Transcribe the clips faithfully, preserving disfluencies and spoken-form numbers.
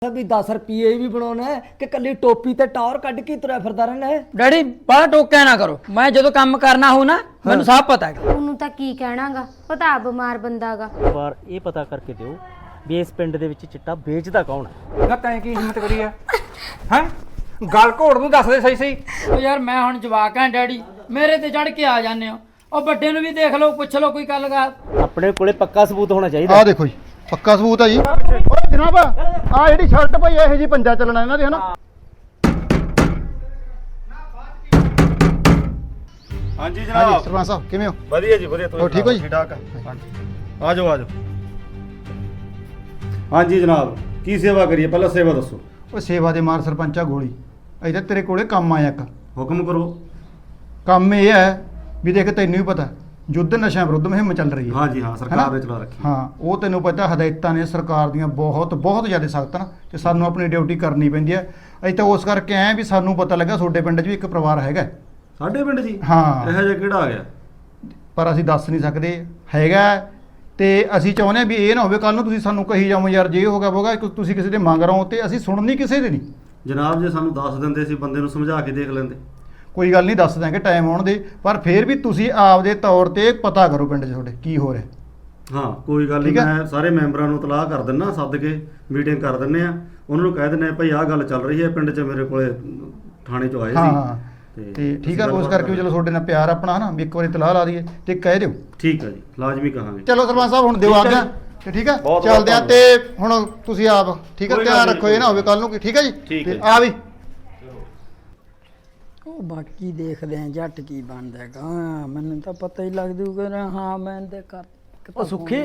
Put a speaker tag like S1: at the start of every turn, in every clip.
S1: ਵੀ ਦਸ ਰੁਪਏ ਵੀ ਬਣਾਉਣਾ ਹੈ ਕਿ ਕੱਲੀ ਟੋਪੀ ਤੇ ਟੌਰ ਕੱਢ ਕੇ ਤੁਰਿਆ ਫਿਰਦਾ ਰਹਿਣਾ ਹੈ।
S2: ਡੈਡੀ ਬੜਾ ਟੋਕਿਆ ਨਾ ਕਰੋ, ਮੈਂ ਜਦੋਂ ਕੰਮ ਕਰਨਾ ਹੋ ਨਾ ਮੈਨੂੰ ਸਭ ਪਤਾ ਹੈ।
S3: ਉਹਨੂੰ ਤਾਂ ਕੀ ਕਹਿਣਾਗਾ, ਉਹ ਤਾਂ ਆਪ ਬਿਮਾਰ ਬੰਦਾਗਾ।
S4: ਵਾਰ ਇਹ ਪਤਾ ਕਰਕੇ ਦਿਓ ਵੀ ਇਸ ਪਿੰਡ ਦੇ ਵਿੱਚ ਚਿੱਟਾ ਵੇਚਦਾ ਕੌਣ ਹੈ।
S5: ਨਾ ਤੈਂ ਕੀ ਹਿੰਮਤ ਕਰੀ ਹੈ ਹੈ ਗੱਲ ਘੋੜ ਨੂੰ ਦੱਸ ਦੇ ਸਹੀ ਸਹੀ।
S2: ਉਹ ਯਾਰ ਮੈਂ ਹੁਣ ਜਵਾਕ ਹਾਂ ਡੈਡੀ, ਮੇਰੇ ਤੇ ਚੜ ਕੇ ਆ ਜਾਂਦੇ ਹੋ। ਉਹ ਵੱਡੇ ਨੂੰ ਵੀ ਦੇਖ ਲਓ, ਪੁੱਛ ਲਓ ਕੋਈ ਗੱਲ ਗਾ।
S4: ਆਪਣੇ ਕੋਲੇ ਪੱਕਾ ਸਬੂਤ ਹੋਣਾ ਚਾਹੀਦਾ।
S6: ਆਹ ਦੇਖੋ ਜੀ ਪੱਕਾ ਸਬੂਤ ਹੈ ਜੀ। ਓਏ ਜਨਾਬ ਆ ਜਿਹੜੀ ਸ਼ਰਟ ਭਾਈ ਇਹੋ ਜੀ ਪੰਜਾ ਚੱਲਣਾ ਇਹਨਾਂ ਦੇ ਹਨਾ।
S7: ਹਾਂਜੀ ਜਨਾਬ।
S6: ਸਰਪੰਚ ਸਾਹਿਬ ਕਿਵੇਂ ਹੋ?
S7: ਵਧੀਆ ਜੀ ਵਧੀਆ।
S6: ਹੋਰ ਠੀਕ ਹੋ ਜੀ?
S7: ਠੀਕ ਠਾਕ ਆ ਆ ਜਾਓ ਆ ਜਾਓ। ਹਾਂਜੀ ਜਨਾਬ ਕੀ ਸੇਵਾ ਕਰੀਏ, ਪਹਿਲਾਂ ਸੇਵਾ ਦੱਸੋ।
S6: ਓਏ ਸੇਵਾ ਦੇ ਮਾਰ ਸਰਪੰਚਾ ਗੋਲੀ ਅਜੇ ਤਾਂ ਤੇਰੇ ਕੋਲੇ ਕੰਮ ਆਇਆ ਇੱਕ।
S7: ਹੁਕਮ ਕਰੋ।
S6: ਕੰਮ ਇਹ ਹੈ ਵੀ ਦੇਖ ਤੈਨੂੰ ਵੀ ਪਤਾ ਯੁੱਧ ਨਸ਼ਿਆਂ ਵਿਰੁੱਧ ਮੁਹਿੰਮ ਚੱਲ ਰਹੀ ਹੈ।
S7: ਹਾਂਜੀ ਹਾਂ ਸਰਕਾਰ ਨੇ ਚਲਾ ਰੱਖੀ।
S6: ਹਾਂ ਉਹ ਤੈਨੂੰ ਪਤਾ ਹਦਾਇਤਾਂ ਨੇ ਸਰਕਾਰ ਦੀਆਂ ਬਹੁਤ ਬਹੁਤ ਜ਼ਿਆਦਾ ਸਖਤ ਹਨ ਤੇ ਸਾਨੂੰ ਆਪਣੀ ਡਿਊਟੀ ਕਰਨੀ ਪੈਂਦੀ ਹੈ। ਅਸੀਂ ਤਾਂ ਉਸ ਕਰਕੇ ਆਏ ਵੀ ਸਾਨੂੰ ਪਤਾ ਲੱਗਾ ਤੁਹਾਡੇ ਪਿੰਡ 'ਚ ਵੀ ਇੱਕ ਪਰਿਵਾਰ ਹੈਗਾ।
S7: ਸਾਡੇ ਪਿੰਡ ਜੀ?
S6: ਹਾਂ।
S7: ਇਹੋ ਜਿਹਾ ਕਿਹੜਾ ਆ ਗਿਆ?
S6: ਪਰ ਅਸੀਂ ਦੱਸ ਨਹੀਂ ਸਕਦੇ ਹੈਗਾ ਤੇ ਅਸੀਂ ਚਾਹੁੰਦੇ ਹਾਂ ਵੀ ਇਹ ਨਾ ਹੋਵੇ ਕੱਲ ਨੂੰ ਤੁਸੀਂ ਸਾਨੂੰ ਕਹੀ ਜਾਵੋ ਯਾਰ ਜੇ ਹੋ ਗਿਆ ਹੋਗਾ ਤੁਸੀਂ ਕਿਸੇ ਦੇ ਮੰਗ ਰਹੋ ਤੇ ਅਸੀਂ ਸੁਣਨੀ ਕਿਸੇ ਦੀ ਨਹੀਂ।
S7: ਜਨਾਬ ਜੇ ਸਾਨੂੰ ਦੱਸ ਦਿੰਦੇ ਸੀ ਬੰਦੇ ਨੂੰ ਸਮਝਾ ਕੇ ਦੇਖ ਲੈਂਦੇ।
S6: ਕੋਈ ਗੱਲ ਨਹੀਂ ਦੱਸ ਦਾਂਗੇ ਟਾਈਮ ਆਉਣ ਦੇ, ਪਰ ਫਿਰ ਵੀ ਤੁਸੀਂ ਆਪਦੇ ਤੌਰ ਤੇ ਪਤਾ ਕਰੋ ਪਿੰਡ 'ਚ ਤੁਹਾਡੇ ਕੀ ਹੋ ਰਿਹਾ।
S7: ਹਾਂ ਕੋਈ ਗੱਲ ਨਹੀਂ,
S6: ਠੀਕ ਆ?
S7: ਮੈਂ ਸਾਰੇ ਮੈਂਬਰਾਂ ਨੂੰ ਇਤਲਾਹ ਕਰ ਦਿੰਦਾ, ਸੱਦ ਕੇ ਮੀਟਿੰਗ ਕਰ ਦਿੰਦੇ ਆ। ਉਹਨਾਂ ਨੂੰ ਕਹਿ ਦਿੰਦੇ ਆ ਭਾਈ ਆਹ ਗੱਲ ਚੱਲ ਰਹੀ ਹੈ ਪਿੰਡ 'ਚ, ਮੇਰੇ ਕੋਲੇ ਥਾਣੇ 'ਚੋਂ ਆਏ
S6: ਹਾਂ
S7: ਸੀ।
S6: ਹਾਂ ਤੇ ਠੀਕ ਆ, ਉਸ ਕਰਕੇ ਵੀ ਚਲੋ ਤੁਹਾਡੇ ਨਾਲ ਪਿਆਰ ਆਪਣਾ ਹਨਾ ਵੀ ਇੱਕ ਵਾਰੀ ਇਤਲਾਹ ਲਾ ਦਈਏ ਤੇ ਕਹਿ ਦਿਓ।
S7: ਠੀਕ ਆ ਜੀ ਲਾਜ਼ਮੀ ਕਹਾਂਗੇ।
S6: ਚਲੋ ਸਰਪੰਚ ਸਾਹਿਬ ਹੁਣ ਦਿਓ
S7: ਠੀਕ ਆ
S6: ਆਗਿਆ
S7: ਜੀ।
S6: ਤੇ ਠੀਕ ਆ
S7: ਬਹੁਤ
S6: ਚੱਲਦੇ ਆ
S7: ਬਹੁਤ
S6: ਤੇ ਹੁਣ ਤੁਸੀਂ ਆਪ ਠੀਕ ਆ
S7: ਕੋਈ ਗੱਲ
S6: ਧਿਆਨ
S7: ਨਹੀਂ,
S6: ਰੱਖੋ ਇਹ ਨਾ ਹੋਵੇ ਕੱਲ ਨੂੰ ਕੀ। ਠੀਕ ਆ ਜੀ
S7: ਠੀਕ ਹੈ
S6: ਤੇ
S7: ਜੀ।
S6: ਆ ਵੀ
S2: ਉਹ ਬਾਕੀ ਦੇਖਦੇ ਆਂ ਜੱਟ ਕੀ ਬਣਦਾ ਹੈਗਾ। ਹਾਂ ਮੈਨੂੰ ਤਾਂ ਪਤਾ ਹੀ ਲੱਗ ਜੂਗਾ। ਹਾਂ ਮੈਂ ਤੇ ਕਰ
S1: ਉਹ ਸੁੱਖੀ।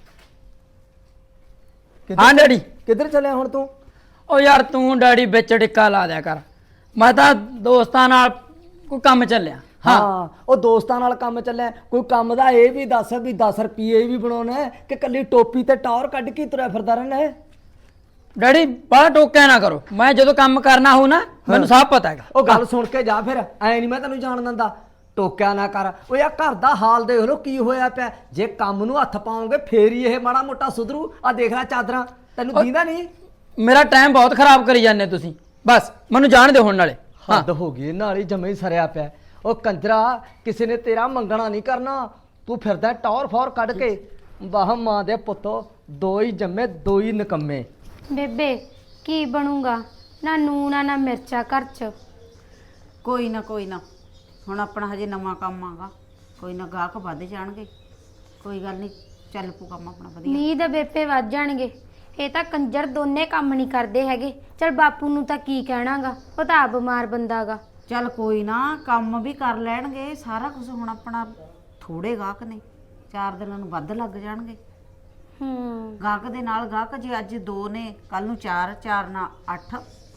S2: ਹਾਂ ਡੈਡੀ।
S1: ਕਿੱਧਰ ਚੱਲਿਆ ਹੁਣ ਤੂੰ?
S2: ਉਹ ਯਾਰ ਤੂੰ ਡੈਡੀ ਵਿੱਚ ਟਿੱਕਾ ਲਾ ਦਿਆ ਕਰ, ਮੈਂ ਤਾਂ ਦੋਸਤਾਂ ਨਾਲ ਕੋਈ ਕੰਮ ਚੱਲਿਆ।
S1: ਹਾਂ ਉਹ ਦੋਸਤਾਂ ਨਾਲ ਕੰਮ ਚੱਲਿਆ, ਕੋਈ ਕੰਮ ਦਾ ਇਹ ਵੀ ਦੱਸ ਵੀ ਦਸ ਰੁਪਏ ਵੀ ਬਣਾਉਣਾ ਹੈ ਕਿ ਕੱਲੀ ਟੋਪੀ ਤੇ ਟੌਰ ਕੱਢ ਕੇ ਤੁਰਿਆ ਫਿਰਦਾ ਰਹਿਣਾ ਹੈ।
S2: ਡੈਡੀ ਬੜਾ ਟੋਕਿਆ ਨਾ ਕਰੋ, ਮੈਂ ਜਦੋਂ ਕੰਮ ਕਰਨਾ ਹੋ ਨਾ ਮੈਨੂੰ ਸਭ ਪਤਾ ਹੈਗਾ।
S1: ਉਹ ਗੱਲ ਸੁਣ ਕੇ ਜਾ ਫਿਰ, ਐ ਨਹੀਂ ਮੈਂ ਤੈਨੂੰ ਜਾਣ ਦਿੰਦਾ। ਟੋਕਿਆ ਨਾ ਕਰ। ਉਹ ਯਾ ਘਰ ਦਾ ਹਾਲ ਦੇਖ ਲੋ ਕੀ ਹੋਇਆ ਪਿਆ। ਜੇ ਕੰਮ ਨੂੰ ਹੱਥ ਪਾਉਂਗੇ ਫੇਰ ਹੀ ਇਹ ਮਾੜਾ ਮੋਟਾ ਸੁਧਰੂ। ਆ ਦੇਖ ਲੈ ਚਾਦਰਾਂ, ਤੈਨੂੰ ਦੀਂਦਾ ਨਹੀਂ?
S2: ਮੇਰਾ ਟਾਈਮ ਬਹੁਤ ਖਰਾਬ ਕਰੀ ਜਾਂਦੇ ਤੁਸੀਂ, ਬਸ ਮੈਨੂੰ ਜਾਣ ਦਿਓ ਹੁਣ ਨਾਲੇ।
S1: ਹੱਦ ਹੋ ਗਈ, ਨਾਲ ਹੀ ਜਮੇ ਹੀ ਸਰਿਆ ਪਿਆ। ਉਹ ਕੰਜਰਾ ਕਿਸੇ ਨੇ ਤੇਰਾ ਮੰਗਣਾ ਨਹੀਂ ਕਰਨਾ, ਤੂੰ ਫਿਰਦਾ ਟੌਰ ਫੌਰ ਕੱਢ ਕੇ। ਵਾਹ ਮਾਂ ਦੇ ਪੁੱਤੋ, ਦੋ ਹੀ ਜੰਮੇ ਦੋ ਹੀ ਨਿਕੰਮੇ।
S3: ਬੇਬੇ ਕੀ ਬਣੂਗਾ, ਨਾ ਨੂਣ ਆ ਨਾ ਮਿਰਚਾ ਘਰ 'ਚ।
S8: ਕੋਈ ਨਾ ਕੋਈ ਨਾ, ਹੁਣ ਆਪਣਾ ਹਜੇ ਨਵਾਂ ਕੰਮ ਆਗਾ, ਕੋਈ ਨਾ ਗਾਹਕ ਵੱਧ ਜਾਣਗੇ। ਕੋਈ ਗੱਲ ਨਹੀਂ, ਚੱਲ ਪੂ ਕੰਮ ਆਪਣਾ ਵਧੀਆ।
S3: ਨੀ ਦੇ ਬੇਪੇ ਵੱਜ ਜਾਣਗੇ। ਇਹ ਤਾਂ ਕੰਜਰ ਦੋਨੇ ਕੰਮ ਨਹੀਂ ਕਰਦੇ ਹੈਗੇ। ਚਲ ਬਾਪੂ ਨੂੰ ਤਾਂ ਕੀ ਕਹਿਣਾਗਾ, ਉਹ ਤਾਂ ਆਪ ਬਿਮਾਰ ਬੰਦਾਗਾ।
S8: ਚੱਲ ਕੋਈ ਨਾ, ਕੰਮ ਵੀ ਕਰ ਲੈਣਗੇ ਸਾਰਾ ਕੁਝ। ਹੁਣ ਆਪਣਾ ਥੋੜੇ ਗਾਹਕ ਨੇ, ਚਾਰ ਦਿਨਾਂ ਨੂੰ ਵੱਧ ਲੱਗ ਜਾਣਗੇ।
S3: ਹੂੰ
S8: ਗਾਹਕ ਦੇ ਨਾਲ ਗਾਹਕ, ਜੇ ਅੱਜ ਦੋ ਨੇ ਕੱਲ ਨੂੰ ਚਾਰ, ਚਾਰ ਨਾਲ ਅੱਠ।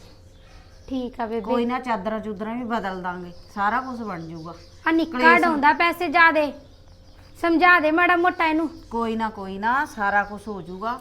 S3: ਠੀਕ ਆ ਬੇਬੇ।
S8: ਕੋਈ ਨਾ ਚਾਦਰਾਂ ਚੂਦਰਾਂ ਵੀ ਬਦਲ ਦਾਂਗੇ, ਸਾਰਾ ਕੁਝ ਬਣ ਜਾਊਗਾ।
S3: ਆ ਨਿੱਕਾ ਡਾਉਂਦਾ ਪੈਸੇ ਜ਼ਿਆਦੇ, ਸਮਝਾ ਦੇ ਮਾੜਾ ਮੋਟਾ ਇਹਨੂੰ।
S8: ਕੋਈ ਨਾ ਕੋਈ ਨਾ, ਸਾਰਾ ਕੁਝ ਹੋ ਜਾਊਗਾ।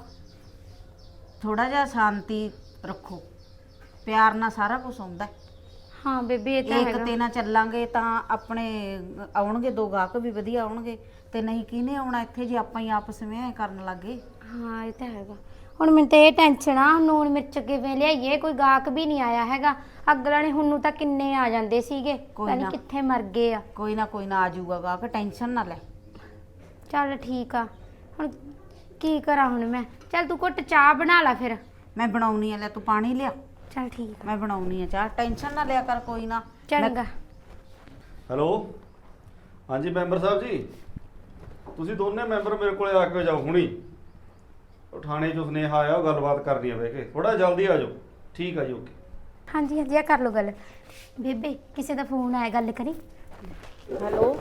S8: ਥੋੜਾ ਜਿਹਾ ਸ਼ਾਂਤੀ ਰੱਖੋ, ਪਿਆਰ ਨਾਲ ਸਾਰਾ ਕੁਝ ਹੁੰਦਾ।
S3: ਹਾਂ ਬੇਬੇ ਇਹ ਤਾਂ
S8: ਇੱਕ
S3: ਹੈਗਾ।
S8: ਤੇ ਨਾ ਚੱਲਾਂਗੇ ਤਾਂ ਆਪਣੇ ਆਉਣਗੇ ਦੋ ਗਾਹਕ ਵੀ ਵਧੀਆ ਆਉਣਗੇ, ਤੇ ਨਹੀਂ ਕਿਹਨੇ ਆਉਣਾ ਇੱਥੇ ਜੇ ਆਪਾਂ ਹੀ ਆਪਸ ਵਿੱਚ ਕਰਨ ਲੱਗੇ।
S3: ਹਾਂ ਇਹ ਤਾਂ ਹੈਗਾ। ਹੁਣ ਮੈਨੂੰ ਤੇ ਇਹ ਟੈਨਸ਼ਨ ਆ, ਨੂਣ ਮਿਰਚ ਕਿਵੇਂ ਲਿਆਈਏ, ਕੋਈ ਗਾਹਕ ਵੀ ਨਹੀਂ ਆਇਆ ਹੈਗਾ। ਅਗਲਾ ਨੇ ਹੁਣ ਨੂੰ ਤਾਂ ਕਿੰਨੇ ਆ ਜਾਂਦੇ ਸੀਗੇ, ਪਤਾ ਨਹੀਂ ਕਿੱਥੇ ਮਰ ਗਏ ਆ।
S8: ਕੋਈ ਨਾ ਕੋਈ ਨਾ ਆ ਜਾਊਗਾ ਗਾਹਕ, ਟੈਨਸ਼ਨ ਨਾ ਲੈ।
S3: ਚੱਲ ਠੀਕ ਆ, ਹੁਣ ਕੀ ਕਰਾਂ ਹੁਣ ਮੈਂ। ਚੱਲ ਤੂੰ ਘੁੱਟ ਚਾਹ ਬਣਾ ਲੈ ਫਿਰ।
S8: ਮੈਂ ਬਣਾਉਣੀ ਆ, ਲੈ ਤੂੰ ਪਾਣੀ ਲਿਆ।
S3: ਚੱਲ ਠੀਕ।
S8: ਮੈਂ ਬਣਾਉਣੀ ਆ ਚਾਹ, ਟੈਨਸ਼ਨ ਨਾ ਲਿਆ ਕਰ। ਕੋਈ ਨਾ।
S3: ਚੰਗਾ।
S7: ਹੈਲੋ ਹਾਂਜੀ ਮੈਂਬਰ ਸਾਹਿਬ ਜੀ, ਤੁਸੀਂ ਦੋਨੇ ਮੈਂਬਰ ਮੇਰੇ ਕੋਲੇ ਆ ਕੇ ਜਾਓ ਹੁਣੀ। ਉਹ ਥਾਣੇ 'ਚੋਂ ਸੁਨੇਹਾ ਆਇਆ, ਉਹ ਗੱਲਬਾਤ ਕਰਨੀ ਆ ਬਹਿ ਕੇ। ਥੋੜਾ ਜਲਦੀ ਆ ਜਾਓ। ਠੀਕ ਆ ਜੀ ਓਕੇ।
S3: ਹਾਂਜੀ ਹਾਂਜੀ ਆ ਕਰ ਲਓ ਗੱਲ। ਬੇਬੇ ਕਿਸੇ ਦਾ ਫੋਨ ਆਇਆ, ਗੱਲ ਕਰੀ।
S8: ਹੈਲੋ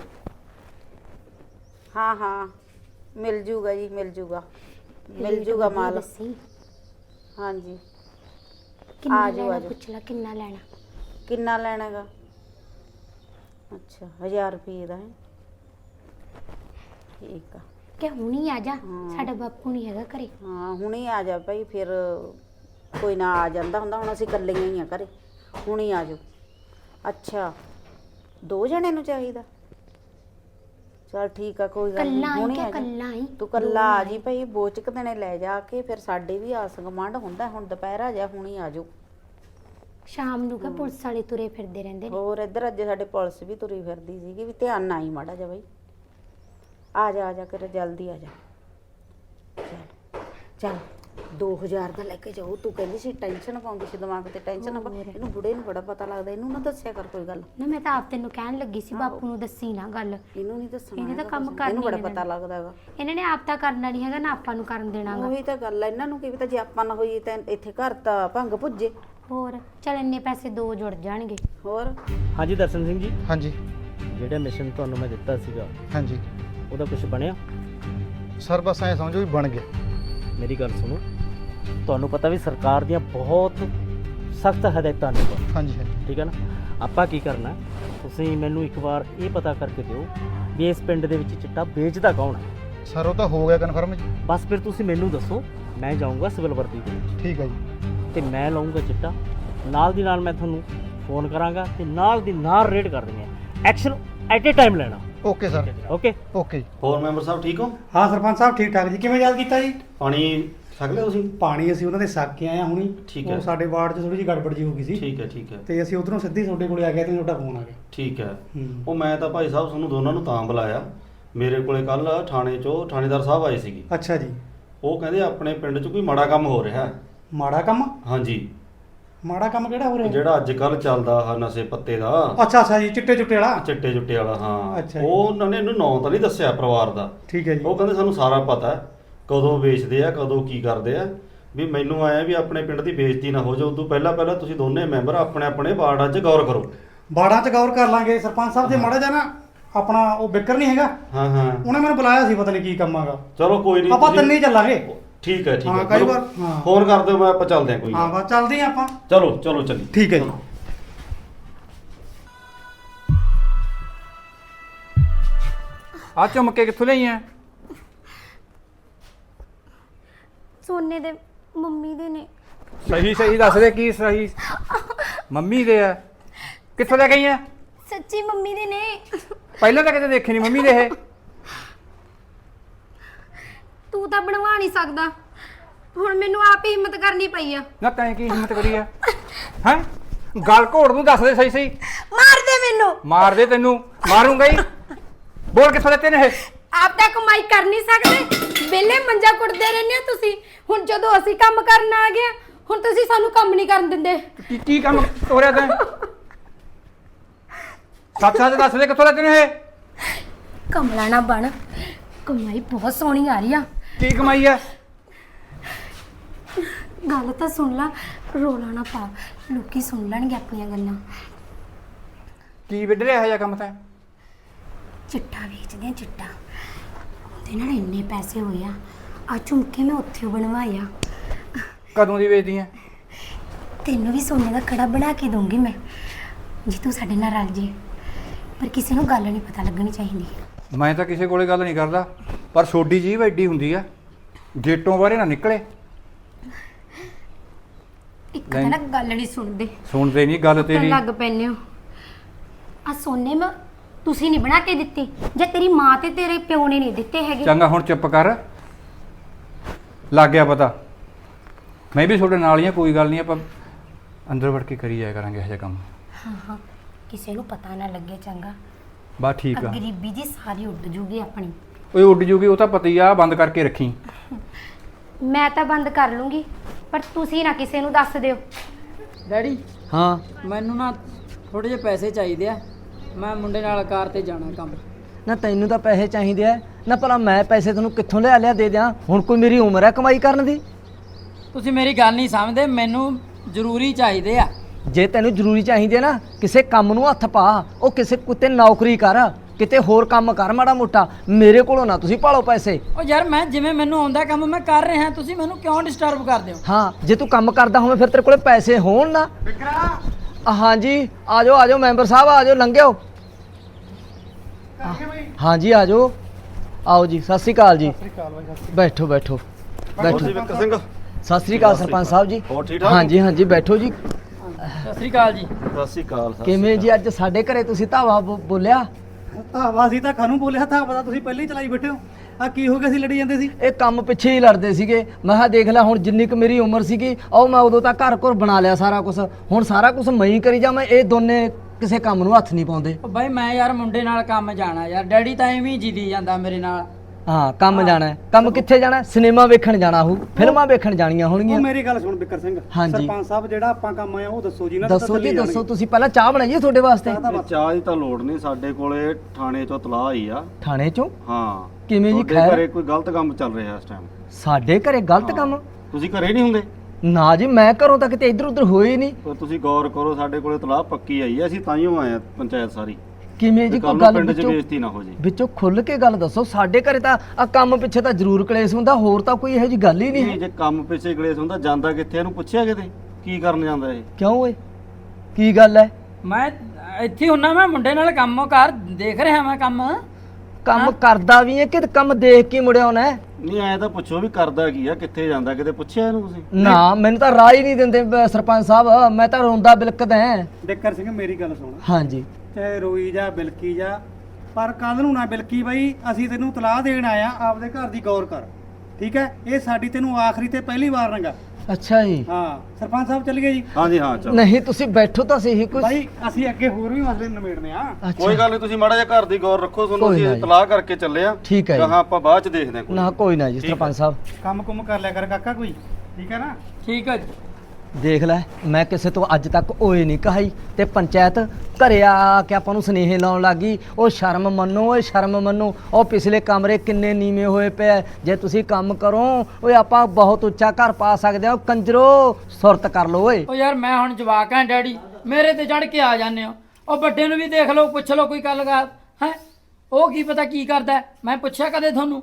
S8: ਹਾਂ ਹਾਂ ਮਿਲ ਜੂਗਾ ਜੀ, ਮਿਲ ਜੂਗਾ, ਮਿਲ ਜੂਗਾ ਮਾਲ।
S3: ਦੱਸੀ
S8: ਹਾਂਜੀ
S3: ਕਿੰਨਾ
S8: ਆ ਜਾਓ,
S3: ਲੈਣਾ,
S8: ਆ ਜਾਓ।
S3: ਪੁੱਛ ਲੈ ਕਿੰਨਾ ਲੈਣਾ।
S8: ਕਿੰਨਾ ਲੈਣਾ ਹੈਗਾ? ਅੱਛਾ ਹਜ਼ਾਰ ਰੁਪਏ ਦਾ ਹੈ। ਠੀਕ ਆ।
S3: ਕਿ ਹੁਣੀ ਆ ਜਾ,
S8: ਹਾਂ।
S3: ਸਾਡਾ ਬਾਪੂ ਨਹੀਂ ਹੈਗਾ ਘਰੇ।
S8: ਹਾਂ ਹੁਣੀ ਆ ਜਾ ਭਾਈ, ਫਿਰ ਕੋਈ ਨਾ ਆ ਜਾਂਦਾ ਹੁੰਦਾ। ਹੁਣ ਅਸੀਂ ਇਕੱਲੀਆਂ ਹੀ ਆ ਘਰੇ, ਹੁਣੀ ਆ ਜਾਓ। ਅੱਛਾ ਦੋ ਜਣੇ ਨੂੰ ਚਾਹੀਦਾ? ਚਲ ਠੀਕ ਆ, ਕੋਈ ਗੱਲ
S3: ਕੱਲਾ
S8: ਨਹੀਂ,
S3: ਆਈ
S8: ਹੁਣੇ
S3: ਕਿ
S8: ਆ ਜਾ।
S3: ਕੱਲਾ ਆਈ
S8: ਤੂੰ ਕੱਲਾ ਆ ਜੀ ਭਈ, ਬੋਚਕ ਦੇਣੇ ਲੈ ਜਾ ਕੇ, ਫਿਰ ਸਾਡੇ ਵੀ ਆਸ ਗਮੰਡ ਹੁੰਦਾ। ਹੁਣ ਦੁਪਹਿਰ ਆ ਜਾ, ਹੁਣੀ ਆ ਜਾਓ।
S3: ਸ਼ਾਮ ਨੂੰ ਕਿ ਪੁਲਿਸ ਵਾਲੇ ਤੁਰੇ ਫਿਰਦੇ ਰਹਿੰਦੇ ਨੇ।
S8: ਹੋਰ ਇੱਧਰ ਅੱਜ ਸਾਡੇ ਪੁਲਿਸ ਵੀ ਤੁਰੀ ਫਿਰਦੀ ਸੀਗੀ, ਵੀ ਧਿਆਨ ਨਾ ਆਈ ਮਾੜਾ ਜਾ ਬਈ। ਆ ਜਾ ਆ ਜਾ ਕਰ, ਜਲਦੀ ਆ ਜਾ। ਚੱਲ ਚੱਲ ਦੋ ਹਜ਼ਾਰ ਦਾ ਲੈ ਕੇ ਜਾਓ। ਤੂੰ ਕਹਿੰਦੀ ਸੀ ਟੈਨਸ਼ਨ ਪਾਉਂਦੀ ਸੀ ਦਿਮਾਗ ਤੇ, ਟੈਨਸ਼ਨ ਨਾ ਪਾ। ਇਹਨੂੰ ਬੁੜੇ ਨੂੰ ਬੜਾ ਪਤਾ ਲੱਗਦਾ, ਇਹਨੂੰ ਨਾ ਦੱਸਿਆ ਕਰ ਕੋਈ ਗੱਲ।
S3: ਨਾ ਮੈਂ ਤਾਂ ਆਪ ਤੈਨੂੰ ਕਹਿਣ ਲੱਗੀ ਸੀ ਬਾਪੂ ਨੂੰ ਦੱਸੀ ਨਾ ਗੱਲ।
S8: ਇਹਨੂੰ ਨਹੀਂ ਦੱਸਣਾ
S3: ਇਹਨੇ ਤਾਂ
S8: ਹੈਗਾ
S3: ਕੰਮ
S8: ਕੁਛ।
S3: ਕਰਨੀ
S8: ਇਹਨੂੰ ਬੜਾ
S3: ਇਹਨਾਂ
S8: ਪਤਾ
S3: ਨੇ।
S8: ਲੱਗਦਾ ਹੈਗਾ।
S3: ਇਹਨਾਂ ਨੇ ਆਪ ਤਾਂ ਕਰਨਾ ਨਹੀਂ ਹੈਗਾ ਨਾ ਆਪਾਂ ਨੂੰ ਕਰਨ ਦੇਣਾਗਾ।
S8: ਉਹੀ ਤਾਂ ਗੱਲ ਹੈ, ਇਹਨਾਂ ਨੂੰ ਕੀ ਪਤਾ ਜੇ ਆਪਾਂ ਨਾ ਹੋਈਏ ਤਾਂ ਇੱਥੇ ਘਰ ਤਾਂ ਭੰਗ ਪੁੱਜੇ।
S3: ਹੋਰ ਚੱਲ ਇੰਨੇ ਪੈਸੇ ਦੋ ਜੁੜ ਜਾਣਗੇ।
S8: ਹੋਰ
S4: ਹਾਂਜੀ ਦਰਸ਼ਨ ਸਿੰਘ ਜੀ,
S6: ਹਾਂਜੀ
S4: ਜਿਹੜਾ ਮਿਸ਼ਨ ਤੁਹਾਨੂੰ ਮੈਂ ਦਿੱਤਾ ਸੀਗਾ
S6: ਹਾਂਜੀ
S4: ਉਹਦਾ ਕੁਝ ਬਣਿਆ?
S6: ਸਰ ਬਸ ਐਂ ਸਮਝੋ ਵੀ ਬਣ ਗਿਆ।
S4: ਮੇਰੀ ਗੱਲ ਸੁਣੋ, ਤੁਹਾਨੂੰ ਪਤਾ ਵੀ ਸਰਕਾਰ ਦੀਆਂ ਬਹੁਤ ਸਖਤ ਹਦਾਇਤਾਂ ਨੇ,
S6: ਹਾਂਜੀ ਹਾਂਜੀ
S4: ਠੀਕ ਹੈ ਨਾ। ਆਪਾਂ ਕੀ ਕਰਨਾ, ਤੁਸੀਂ ਮੈਨੂੰ ਇੱਕ ਵਾਰ ਇਹ ਪਤਾ ਕਰਕੇ ਦਿਓ ਵੀ ਇਸ ਪਿੰਡ ਦੇ ਵਿੱਚ ਚਿੱਟਾ ਵੇਚਦਾ ਕੌਣ ਹੈ।
S6: ਸਰ ਉਹ ਤਾਂ ਹੋ ਗਿਆ ਕਨਫਰਮ ਜੀ।
S4: ਬਸ ਫਿਰ ਤੁਸੀਂ ਮੈਨੂੰ ਦੱਸੋ, ਮੈਂ ਜਾਊਂਗਾ ਸਿਵਲ ਵਰਦੀ ਦੇ ਵਿੱਚ
S6: ਠੀਕ ਹੈ ਜੀ।
S4: ਤੇ ਮੈਂ ਲਵਾਂਗਾ ਚਿੱਟਾ, ਨਾਲ ਦੀ ਨਾਲ ਮੈਂ ਤੁਹਾਨੂੰ ਫੋਨ ਕਰਾਂਗਾ ਤੇ ਨਾਲ ਦੀ ਨਾਲ ਰੇਡ ਕਰ ਦੇਣੀ ਹੈ। ਐਕਸ਼ਨ ਐਟ ਏ ਟਾਈਮ ਲੈਣਾ।
S6: ਓਕੇ ਸਰ,
S4: ਓਕੇ
S6: ਓਕੇ ਜੀ।
S7: ਹੋਰ ਮੈਂਬਰ ਸਾਹਿਬ ਠੀਕ ਹੋ?
S5: ਹਾਂ ਸਰਪੰਚ ਸਾਹਿਬ ਠੀਕ ਠਾਕ ਜੀ। ਕਿਵੇਂ ਯਾਦ ਕੀਤਾ ਜੀ?
S7: ਪਾਣੀ ਛਕ ਲਿਆ ਤੁਸੀਂ?
S5: ਪਾਣੀ ਅਸੀਂ ਉਹਨਾਂ ਦੇ ਸੱਕ ਕੇ ਆਏ ਆ ਹੁਣੀ।
S7: ਠੀਕ ਹੈ।
S5: ਉਹ ਸਾਡੇ ਵਾਰਡ 'ਚ ਥੋੜੀ ਜਿਹੀ ਗੜਬੜ ਜੀ ਹੋ ਗਈ ਸੀ,
S7: ਠੀਕ ਹੈ ਠੀਕ ਹੈ
S5: ਤੇ ਅਸੀਂ ਉਧਰੋਂ ਸਿੱਧੀ ਤੁਹਾਡੇ ਕੋਲੇ ਆ ਗਏ ਤੇ ਤੁਹਾਡਾ ਫੋਨ ਆ ਗਿਆ।
S7: ਠੀਕ ਹੈ।
S5: ਹੂੰ।
S7: ਉਹ ਮੈਂ ਤਾਂ ਭਾਈ ਸਾਹਿਬ ਤੁਹਾਨੂੰ ਦੋਨਾਂ ਨੂੰ ਤਾਂ ਬੁਲਾਇਆ, ਮੇਰੇ ਕੋਲੇ ਕੱਲ ਥਾਣੇ 'ਚੋਂ ਥਾਣੇਦਾਰ ਸਾਹਿਬ ਆਏ ਸੀਗੇ।
S5: ਅੱਛਾ ਜੀ।
S7: ਉਹ ਕਹਿੰਦੇ ਆਪਣੇ ਪਿੰਡ 'ਚ ਕੋਈ ਮਾੜਾ ਕੰਮ ਹੋ ਰਿਹਾ।
S5: ਮਾੜਾ ਕੰਮ?
S7: ਹਾਂਜੀ।
S5: ਮਾੜਾ ਕੰਮ ਕਿਹੜਾ ਹੋ ਰਿਹਾ?
S7: ਜਿਹੜਾ ਅੱਜ ਕੱਲ ਚੱਲਦਾ ਆ ਨਸ਼ੇ ਪੱਤੇ ਦਾ,
S5: ਅੱਛਾ ਅੱਛਾ ਜੀ, ਚਿੱਟੇ ਚੁੱਟੇ ਵਾਲਾ।
S7: ਚਿੱਟੇ ਚੁੱਟੇ ਵਾਲਾ। ਹਾਂ
S5: ਅੱਛਾ ਜੀ।
S7: ਉਹ ਉਹਨਾਂ ਨੇ ਇਹਨੂੰ ਨਾਂ ਤਾਂ ਨਹੀਂ ਦੱਸਿਆ ਪਰਿਵਾਰ ਦਾ।
S5: ਠੀਕ ਹੈ ਜੀ।
S7: ਉਹ ਕਹਿੰਦੇ ਸਾਨੂੰ ਸਾਰਾ ਪਤਾ ਹੈ, ਕਦੋਂ ਵੇਚਦੇ ਆ ਕਦੋਂ ਕੀ ਕਰਦੇ ਆ। ਵੀ ਮੈਨੂੰ ਆਇਆ ਵੀ ਆਪਣੇ ਪਿੰਡ ਦੀ ਬੇਇੱਜ਼ਤੀ ਨਾ ਹੋ ਜਾਏ, ਉਦੋਂ ਪਹਿਲਾਂ ਪਹਿਲਾਂ ਤੁਸੀਂ ਦੋਨੇ ਮੈਂਬਰ ਆਪਣੇ ਆਪਣੇ ਵਾਰਡਾਂ 'ਚ ਗੌਰ ਕਰੋ।
S5: ਬਾੜਾਂ 'ਚ ਗੌਰ ਕਰ ਲਾਂਗੇ ਸਰਪੰਚ ਸਾਹਿਬ ਦੇ। ਮਾੜਾ ਜਿਹਾ ਨਾ ਆਪਣਾ ਉਹ ਬਿੱਕਰ ਨਹੀਂ ਹੈਗਾ,
S7: ਹਾਂ ਹਾਂ
S5: ਉਹਨੇ ਮੈਨੂੰ ਬੁਲਾਇਆ ਸੀ, ਪਤਾ ਨਹੀਂ ਕੀ ਕੰਮ ਆਗਾ।
S7: ਚਲੋ ਕੋਈ ਨਹੀਂ,
S5: ਆਪਾਂ ਤਿੰਨੇ ਹੀ ਚੱਲਾਂਗੇ।
S7: ਠੀਕ ਹੈ ਠੀਕ
S5: ਹਾਂ,
S7: ਹੈ।
S5: ਕਈ ਵਾਰ- ਹਾਂ।
S7: ਫੋਨ ਕਰ ਦਿਓ, ਮੈਂ ਆਪਾਂ ਚੱਲਦੇ ਹਾਂ ਕੋਈ
S5: ਹਾਂ
S7: ਨਹੀਂ।
S5: ਬਸ ਚੱਲਦੇ ਹਾਂ ਆਪਾਂ।
S7: ਚਲੋ ਚਲੋ ਚੱਲੀ।
S5: ਠੀਕ ਹੈ ਜੀ। ਆ ਝੁਮਕੇ ਕਿੱਥੋਂ ਲਈ ਆ?
S3: ਸੋਨੇ ਦੇ ਮੰਮੀ ਦੇ ਨੇ।
S5: ਸਹੀ ਸਹੀ ਦੱਸ ਦੇ, ਕੀ ਸਹੀ? ਮੰਮੀ ਦੇ ਆ? ਕਿੱਥੋਂ ਲੈ ਗਈ ਆ?
S3: ਸੱਚੀ ਮੰਮੀ ਦੇ ਨੇ।
S5: ਪਹਿਲਾਂ ਤਾਂ ਕਦੇ ਦੇਖੇ ਨਹੀਂ ਮੰਮੀ ਦੇ ਇਹ।
S3: ਤੂੰ ਤਾਂ ਬਣਵਾ ਨਹੀਂ ਸਕਦਾ, ਹੁਣ ਮੈਨੂੰ ਆਪ ਹੀ ਹਿੰਮਤ ਕਰਨੀ ਪਈ ਆ।
S5: ਨਾ ਤੈਂ ਕੀ ਹਿੰਮਤ ਕਰੀ ਆ? ਹੈ ਗੱਲ ਘੋੜ ਨੂੰ ਦੱਸ ਦੇ ਸਹੀ ਸਹੀ।
S3: ਮਾਰ ਦੇ ਮੈਨੂੰ।
S5: ਮਾਰ ਦੇ, ਤੈਨੂੰ ਮਾਰੂੰਗਾ ਹੀ। ਬੋਲ ਕਿੱਥੋਂ ਲੈਤੇ ਨੇ ਇਹ?
S3: ਆਪ ਤਾਂ ਕਮਾਈ ਕਰ ਨਹੀਂ ਸਕਦੇ, ਵਿਹਲੇ ਮੰਜਾ ਕੁੱਟਦੇ ਰਹਿੰਦੇ ਹੋ ਤੁਸੀਂ। ਹੁਣ ਜਦੋਂ ਅਸੀਂ ਕੰਮ ਕਰਨ ਆ ਗਏ, ਹੁਣ ਤੁਸੀਂ ਸਾਨੂੰ ਕੰਮ ਨਹੀਂ ਕਰਨ ਦਿੰਦੇ।
S5: ਕੀ ਕੀ ਕੰਮ ਤੋਰਿਆ ਤੈਂ? ਸੱਚ ਸੱਚ ਦੱਸ ਦੇ, ਕਿੱਥੋਂ ਲੈਤੇ ਨੇ ਇਹ?
S3: ਕਮਲਾ ਨਾ ਬਣ, ਕਮਾਈ ਬਹੁਤ ਸੋਹਣੀ ਆ ਰਹੀ ਆ।
S5: ਕੀ ਕਮਾਈ ਆ?
S3: ਗੱਲ ਤਾਂ ਸੁਣ ਲਾ, ਰੋਲਾ ਨਾ ਪਾ, ਲੋਕੀ ਸੁਣ ਲੈਣਗੇ ਆਪਣੀਆਂ ਗੱਲਾਂ।
S5: ਕੀ ਵਿੱਢ ਰਿਹਾ ਇਹ ਕੰਮ ਤੈਂ?
S3: ਚਿੱਟਾ ਵੇਚਦੇ ਆ ਚਿੱਟਾ, ਉਹਦੇ ਨਾਲ ਇੰਨੇ ਪੈਸੇ ਹੋਏ ਆ। ਆ ਝੁਮਕੇ ਮੈਂ ਉੱਥੇ ਬਣਵਾਇਆ।
S5: ਕਦੋਂ ਦੀ ਵੇਚਦੀ ਆ?
S3: ਤੈਨੂੰ ਵੀ ਸੋਨੇ ਦਾ ਕੜਾ ਬਣਾ ਕੇ ਦੂੰਗੀ ਮੈਂ, ਜੇ ਤੂੰ ਸਾਡੇ ਨਾਲ ਰਲ ਜੇ। ਪਰ ਕਿਸੇ ਨੂੰ ਗੱਲ ਨਹੀਂ ਪਤਾ ਲੱਗਣੀ ਚਾਹੀਦੀ।
S5: ਮੈਂ ਤਾਂ ਕਿਸੇ ਕੋਲੇ ਗੱਲ ਨਹੀਂ ਕਰਦਾ, ਪਰ ਛੋਡੀ ਜੀਭ ਐਡੀ ਹੁੰਦੀ ਆ, ਗੇਟੋਂ ਬਾਹਰੇ ਨਾ ਨਿਕਲੇ।
S3: ਇੱਕ ਤਾਂ ਨਾ ਗੱਲ ਨਹੀਂ ਸੁਣਦੇ,
S5: ਸੁਣਦੇ ਨਹੀਂ ਗੱਲ ਤੇਰੀ।
S3: ਲੱਗ ਪੈਨੇ ਹੋ। ਆ ਸੋਨੇ ਮੈਂ ਤੁਸੀਂ ਨਹੀਂ ਬਣਾ ਕੇ ਦਿੱਤੇ, ਜਾਂ ਤੇਰੀ ਮਾਂ ਤੇ ਤੇਰੇ ਪਿਓ ਨੇ ਨਹੀਂ ਦਿੱਤੇ ਹੈਗੇ।
S5: ਚੰਗਾ ਹੁਣ ਚੁੱਪ ਕਰ, ਲੱਗ ਗਿਆ ਪਤਾ। ਮੈਂ ਵੀ ਤੁਹਾਡੇ ਨਾਲ ਹੀ ਆ, ਕੋਈ ਗੱਲ ਨਹੀਂ, ਆਪਾਂ ਅੰਦਰ ਵੜ ਕੇ ਕਰੀ ਜਾਇਆ ਕਰਾਂਗੇ ਇਹ ਜਿਹਾ ਕੰਮ।
S3: ਹਾਂ ਹਾਂ, ਕਿਸੇ ਨੂੰ ਪਤਾ ਨਾ ਲੱਗੇ। ਚੰਗਾ,
S5: ਬਸ ਠੀਕ ਆ।
S3: ਗਰੀਬੀ ਜੀ ਸਾਰੀ ਉੱਡ ਜੂਗੀ ਆਪਣੀ।
S5: ਓਏ ਉੱਡ ਜੂਗੀ, ਉਹ ਤਾਂ ਪਤਾ ਹੀ ਆ, ਬੰਦ ਕਰਕੇ ਰੱਖੀ।
S3: ਮੈਂ ਤਾਂ ਬੰਦ ਕਰ ਲੂੰਗੀ, ਪਰ ਤੁਸੀਂ ਨਾ ਕਿਸੇ ਨੂੰ ਦੱਸ ਦਿਓ।
S2: ਡੈਡੀ
S1: ਹਾਂ
S2: ਮੈਨੂੰ ਨਾ ਥੋੜੇ ਜਿਹੇ ਪੈਸੇ ਚਾਹੀਦੇ ਆ, ਮੈਂ ਮੁੰਡੇ ਨਾਲ ਕਾਰ ਤੇ ਜਾਣਾ ਕੰਮ।
S1: ਨਾ ਤੈਨੂੰ ਤਾਂ ਪੈਸੇ ਚਾਹੀਦੇ ਆ ਨਾ, ਭਲਾ ਮੈਂ ਪੈਸੇ ਤੈਨੂੰ ਕਿੱਥੋਂ ਲਿਆ ਲਿਆ ਦੇ ਦਿਆਂ? ਹੁਣ ਕੋਈ ਮੇਰੀ ਉਮਰ ਹੈ ਕਮਾਈ ਕਰਨ ਦੀ?
S2: ਤੁਸੀਂ ਮੇਰੀ ਗੱਲ ਨਹੀਂ ਸਮਝਦੇ, ਮੈਨੂੰ ਜ਼ਰੂਰੀ ਚਾਹੀਦੇ ਆ।
S1: ਜੇ ਤੈਨੂੰ ਜ਼ਰੂਰੀ ਚਾਹੀਦੇ ਨਾ, ਕਿਸੇ ਕੰਮ ਨੂੰ ਹੱਥ ਪਾ, ਉਹ ਕਿਸੇ ਕੁੱਤੇ ਨੌਕਰੀ ਕਰ, ਕਿਤੇ ਹੋਰ ਕੰਮ ਕਰ ਮਾੜਾ ਮੋਟਾ। ਮੇਰੇ ਕੋਲੋਂ ਨਾ ਤੁਸੀਂ ਭਾਲੋ ਪੈਸੇ।
S2: ਉਹ ਯਾਰ ਮੈਂ ਜਿਵੇਂ ਮੈਨੂੰ ਆਉਂਦਾ ਕੰਮ ਮੈਂ ਕਰ ਰਿਹਾ, ਤੁਸੀਂ ਮੈਨੂੰ ਕਿਉਂ ਡਿਸਟਰਬ ਕਰਦੇ ਹੋ?
S1: ਹਾਂ, ਜੇ ਤੂੰ ਕੰਮ ਕਰਦਾ ਹੋਵੇਂ ਫਿਰ ਤੇਰੇ ਕੋਲੇ ਪੈਸੇ ਹੋਣ ਨਾ। ਹਾਂਜੀ ਆਜੋ ਆਜੋ ਮੈਂਬਰ ਸਾਹਿਬ, ਆਜੋ ਲੰਘਿਓ। ਹਾਂਜੀ ਆਜੋ, ਆਓ ਜੀ। ਸਤਿ ਸ੍ਰੀ ਅਕਾਲ ਜੀ। ਬੈਠੋ ਬੈਠੋ
S7: ਹੋਰ
S1: ਬੈਠੋ।
S7: ਜੀ ਵਿਕਰ ਸਿੰਘ,
S1: ਸਤਿ ਸ੍ਰੀ ਅਕਾਲ ਸਰਪੰਚ ਸਾਹਿਬ ਜੀ।
S7: ਹੋਰ ਠੀਕ ਠਾਕ?
S1: ਹਾਂਜੀ ਹਾਂਜੀ ਬੈਠੋ ਜੀ।
S2: ਸਤਿ ਸ੍ਰੀ ਅਕਾਲ ਜੀ।
S7: ਸਤਿ ਸ਼੍ਰੀ ਅਕਾਲ। ਸਤਿ
S1: ਕਿਵੇਂ ਜੀ ਅੱਜ ਸਾਡੇ ਘਰੇ ਤੁਸੀਂ ਧਾਵਾ ਬੋ- ਬੋਲਿਆ?
S9: ਹਵਾ ਸੀ ਤਾਂ ਖਾਨੂੰ ਬੋਲਿਆ ਤਾਂ ਪਤਾ ਤੁਸੀਂ ਪਹਿਲਾਂ ਹੀ ਚਲਾਈ ਬੈਠੇ ਹੋ। ਆ ਕੀ ਹੋ ਗਿਆ ਸੀ, ਲੜੀ ਜਾਂਦੇ ਸੀ?
S1: ਇਹ ਕੰਮ ਪਿੱਛੇ ਹੀ ਲੜਦੇ ਸੀਗੇ। ਮੈਂ ਕਿਹਾ ਦੇਖ ਲੈ ਹੁਣ ਜਿੰਨੀ ਕੁ ਮੇਰੀ ਉਮਰ ਸੀਗੀ ਉਹ ਮੈਂ ਉਦੋਂ ਤਾਂ ਘਰ ਘਰ ਬਣਾ ਲਿਆ ਸਾਰਾ ਕੁਝ, ਹੁਣ ਸਾਰਾ ਕੁਝ ਮੈਂ ਹੀ ਕਰੀ ਜਾਵਾਂ। ਇਹ ਦੋਨੇ ਕਿਸੇ ਕੰਮ ਨੂੰ ਹੱਥ ਨਹੀਂ ਪਾਉਂਦੇ।
S2: ਉਹ ਬਾਈ ਮੈਂ ਯਾਰ ਮੁੰਡੇ ਨਾਲ ਕੰਮ ਜਾਣਾ ਯਾਰ, ਡੈਡੀ ਤਾਂ ਐਵੇਂ ਹੀ ਜਿੱਦੀ ਜਾਂਦਾ ਮੇਰੇ ਨਾਲ।
S1: ਹਾਂ ਕੰਮ ਜਾਣਾ ਹੈ। ਕੰਮ ਕਿੱਥੇ ਜਾਣਾ? ਸਿਨੇਮਾ ਵੇਖਣ ਜਾਣਾ ਹੋਊ, ਫਿਲਮਾਂ ਵੇਖਣ ਜਾਣੀਆਂ
S9: ਉਹ
S1: ਹੋਣਗੀਆਂ।
S9: ਮੇਰੀ ਗੱਲ ਸੁਣ ਬਿੱਕਰ ਸਿੰਘ,
S1: ਹਾਂਜੀ।
S9: ਸਰਪੰਚ ਸਾਹਿਬ ਜਿਹੜਾ ਆਪਾਂ ਕੰਮ ਆਇਆ ਉਹ ਦੱਸੋ ਜੀ ਨਾ।
S1: ਦੱਸੋ ਜੀ ਦੱਸੋ, ਤੁਸੀਂ ਪਹਿਲਾਂ ਚਾਹ ਬਣਾਈਏ ਤੁਹਾਡੇ ਵਾਸਤੇ।
S7: ਇਹ ਚਾਹ ਦੀ ਤਾਂ ਲੋੜ ਨਹੀਂ, ਸਾਡੇ ਕੋਲੇ ਥਾਣੇ ਚੋਂ ਤਲਾਹ ਆਈ ਆ।
S1: ਥਾਣੇ ਚੋਂ?
S7: ਹਾਂ।
S1: ਕਿਵੇਂ ਜੀ?
S7: ਤੁਹਾਡੇ
S1: ਖੈਰ
S7: ਘਰੇ ਕੋਈ ਗਲਤ ਕੰਮ ਚੱਲ ਰਿਹਾ ਇਸ ਟਾਈਮ।
S1: ਸਾਡੇ ਘਰੇ ਗਲਤ ਕੰਮ?
S7: ਤੁਸੀਂ ਘਰੇ ਨਹੀਂ ਹੁੰਦੇ?
S1: ਨਾ ਜੀ ਮੈਂ ਘਰੋਂ ਤਾਂ ਕਿਤੇ ਇੱਧਰ ਉੱਧਰ ਹੋਏ ਨਹੀਂ।
S7: ਪਰ ਤੁਸੀਂ ਗੌਰ ਕਰੋ, ਸਾਡੇ ਕੋਲੇ ਤਲਾਹ ਪੱਕੀ ਆਈ ਆ, ਅਸੀਂ ਤਾਈਓ ਆਏ ਆ ਪੰਚਾਇਤ ਸਾਰੀ।
S1: ਕਿਵੇਂ ਜੀ?
S7: ਕੱਲ੍ਹ
S1: ਕੋਈ
S7: ਨੂੰ
S1: ਗੱਲ
S7: ਪਿੰਡ 'ਚ
S1: ਵਿੱਚੋਂ
S7: ਬੇਇੱਜ਼ਤੀ ਨਾ ਹੋ ਜੇ।
S1: ਵਿੱਚੋਂ ਖੁੱਲ ਕੇ ਗੱਲ ਦੱਸੋ। ਸਾਡੇ ਘਰੇ ਤਾਂ ਆ ਕੰਮ ਪਿੱਛੇ ਤਾਂ ਜ਼ਰੂਰ ਕਲੇਸ਼ ਹੁੰਦਾ, ਹੋਰ ਤਾਂ ਕੋਈ ਇਹੋ ਜੀ ਗੱਲ ਹੀ ਨਹੀਂ
S7: ਨਹੀਂ,
S1: ਹੈ।
S7: ਜੇ ਕੰਮ ਪਿੱਛੇ ਗਲੇਸ ਹੁੰਦਾ ਜਾਂਦਾ ਕਿੱਥੇ? ਇਹਨੂੰ ਪੁੱਛਿਆ ਕਿਤੇ ਕੀ ਕਰਨ ਜਾਂਦਾ ਇਹ?
S1: ਕਿਉਂ ਓਏ ਕੀ ਗੱਲ ਹੈ?
S2: ਮੈਂ ਇੱਥੇ ਹੁੰਨਾ, ਮੈਂ ਮੁੰਡੇ ਨਾਲ ਕੰਮ ਕਰ ਦੇਖ ਰਿਹਾ ਮੈਂ ਕੰਮ।
S1: ਕੰਮ ਕਰਦਾ ਵੀ ਹੈ ਕਿ ਕੰਮ ਦੇਖ ਕੇ ਮੁੜਿਆ ਹੋਣਾ ਹੈ?
S7: ਨਹੀਂ ਐ ਤਾਂ ਪੁੱਛੋ ਵੀ ਕਰਦਾ ਕੀ ਆ, ਕਿੱਥੇ ਜਾਂਦਾ, ਕਿਤੇ ਪੁੱਛਿਆ ਇਹਨੂੰ ਤੁਸੀਂ?
S1: ਨਾ ਮੈਨੂੰ ਤਾਂ ਰਾਹ ਹੀ ਨਹੀਂ ਦਿੰਦੇ ਬ- ਸਰਪੰਚ ਸਾਹਿਬ, ਮੈਂ ਤਾਂ ਰੋਂਦਾ ਬਿਲਕਦਾ ਹਾਂ।
S9: ਬਿੱਕਰ ਸਿੰਘ ਮੇਰੀ ਗੱਲ ਸੁਣ,
S1: ਹਾਂਜੀ
S9: ਚਾਹੇ ਰੋਈ ਜਾ ਬਿਲਕੀ ਜਾ, ਪਰ ਕੱਲ ਨੂੰ ਨਾ ਬਿਲਕੀ ਬਾਈ। ਅਸੀਂ ਤੈਨੂੰ ਤਲਾਹ ਦੇਣ ਆਇਆ, ਆਪਦੇ ਘਰ ਦੀ ਗੌਰ ਕਰ, ਠੀਕ ਹੈ? ਇਹ ਸਾਡੀ ਤੈਨੂੰ ਆਖਰੀ ਤੇ ਪਹਿਲੀ ਵਾਰ ਨੰਗਾ।
S1: ਅੱਛਾ ਜੀ।
S9: ਹਾਂ ਸਰਪੰਚ ਸਾਹਿਬ ਚੱਲ ਗਏ ਜੀ।
S7: ਹਾਂਜੀ ਹਾਂ ਚਲੋ।
S1: ਨਹੀਂ ਤੁਸੀਂ ਬੈਠੋ ਤਾਂ ਸਹੀ ਕੁਝ।
S9: ਬਾਈ ਅਸੀਂ ਅੱਗੇ ਹੋਰ ਵੀ ਮਸਲੇ ਨਿਬੇੜਨੇ ਆ।
S7: ਕੋਈ ਗੱਲ ਨਹੀਂ, ਤੁਸੀਂ ਮਾੜਾ ਜਿਹਾ ਘਰ ਦੀ ਗੌਰ ਰੱਖੋ, ਤੁਹਾਨੂੰ
S1: ਕੋਈ ਨਾ
S7: ਅਸੀਂ
S1: ਜੀ।
S7: ਤਲਾਹ ਕਰਕੇ ਚੱਲੇ ਆ।
S1: ਠੀਕ ਹੈ ਜੀ।
S7: ਕਹਾਂ ਆਪਾਂ ਬਾਅਦ ਚ ਦੇਖਦੇ ਹਾਂ ਕੋਈ।
S1: ਨਾ ਕੋਈ ਨਾ ਜੀ ਸਰਪੰਚ ਸਾਹਿਬ।
S9: ਕੰਮ ਕੁਮ ਕਰ ਲਿਆ ਕਰ ਕਾਕਾ ਕੋਈ, ਠੀਕ ਹੈ ਨਾ?
S2: ਠੀਕ ਹੈ।
S1: ਦੇਖ ਲੈ ਮੈਂ ਕਿਸੇ ਤੋਂ ਅੱਜ ਤੱਕ ਓਏ ਨਹੀਂ ਕਹਾਈ, ਤੇ ਪੰਚਾਇਤ ਘਰੇ ਆ ਕੇ ਆਪਾਂ ਨੂੰ ਸੁਨੇਹੇ ਲਾਉਣ ਲੱਗੀ। ਉਹ ਸ਼ਰਮ ਮੰਨੋ ਓਏ ਸ਼ਰਮ ਮੰਨੋ। ਉਹ ਪਿਛਲੇ ਕਮਰੇ ਕਿੰਨੇ ਨੀਵੇਂ ਹੋਏ ਪਏ, ਜੇ ਤੁਸੀਂ ਕੰਮ ਕਰੋ ਓਏ ਆਪਾਂ ਬਹੁਤ ਉੱਚਾ ਘਰ ਪਾ ਸਕਦੇ ਹਾਂ। ਕੰਜਰੋ ਸੁਰਤ ਕਰ ਲਓ ਓਏ।
S2: ਉਹ ਯਾਰ ਮੈਂ ਹੁਣ ਜਵਾਕ ਹਾਂ ਡੈਡੀ, ਮੇਰੇ ਤੇ ਚੜ ਕੇ ਆ ਜਾਂਦੇ ਹੋ। ਉਹ ਵੱਡੇ ਨੂੰ ਵੀ ਦੇਖ ਲਓ, ਪੁੱਛ ਲਓ ਕੋਈ ਗੱਲ ਕਰ ਹੈ। ਉਹ ਕੀ ਪਤਾ ਕੀ ਕਰਦਾ, ਮੈਂ ਪੁੱਛਿਆ ਕਦੇ ਤੁਹਾਨੂੰ?